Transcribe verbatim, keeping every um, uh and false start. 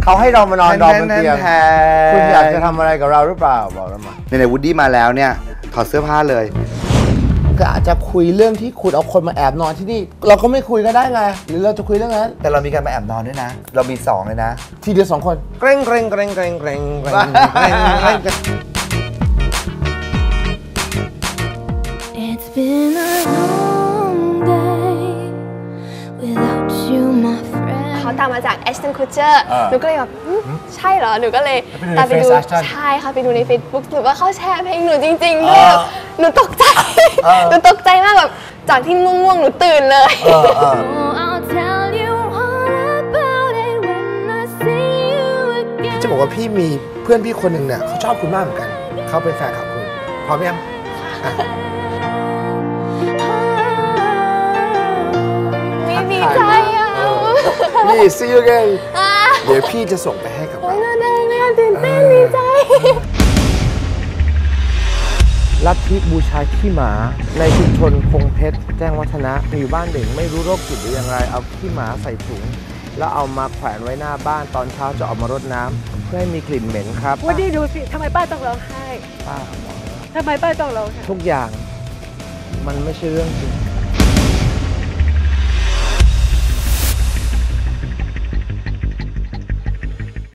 เขาให้เรามานอนรอบนเตียงคุณอยากจะทำอะไรกับเราหรือเปล่าบอกเรามาในวูดดี้มาแล้วเนี่ยถอดเสื้อผ้าเลยก็อาจจะคุยเรื่องที่คุณเอาคนมาแอบนอนที่นี่เราก็ไม่คุยก็ได้ไงหรือเราจะคุยเรื่องนั้นแต่เรามีการมาแอบนอนด้วยนะเรามีสองเลยนะทีเดียวสองคนเกรงเกรงเกรงเกรงเกรงเกรงเกรงเกรง It's been a long day without you my friend เขาตามมาจาก Ashton Kutcher หนูก็เลยแบบใช่เหรอหนูก็เลยตามไปดูใช่ค่ะไปดูใน Facebook หนูว่าเขาแชร์เพลงหนูจริงๆด้วยหนูตกใจหนูตกใจมากแบบจากที่ง่วงๆหนูตื่นเลยจะบอกว่าพี่มีเพื่อนพี่คนหนึ่งเนี่ยเขาชอบคุณมากเหมือนกันเขาเป็นแฟนคลับคุณพร้อมยังดีใจอ่ะนี่ see you again เดี๋ยวพี่จะส่งไปให้กับเราน่าได้น่าตื่นเต้นดีใจลัทธิบูชาขี้หมาในชุมชนคงเพชรแจ้งวัฒนะมีอยู่บ้านหนึ่งไม่รู้โรคจิตหรืออย่างไรเอาขี้หมาใส่ถุงแล้วเอามาแขวนไว้หน้าบ้านตอนเช้าจะออกมารดน้ำเพื่อให้มีกลิ่นเหม็นครับวันนี้ดูสิทำไมป้าต้องร้องไห้ป้าทำไมป้าต้องร้องไห้ทุกอย่างมันไม่ใช่เรื่องจริง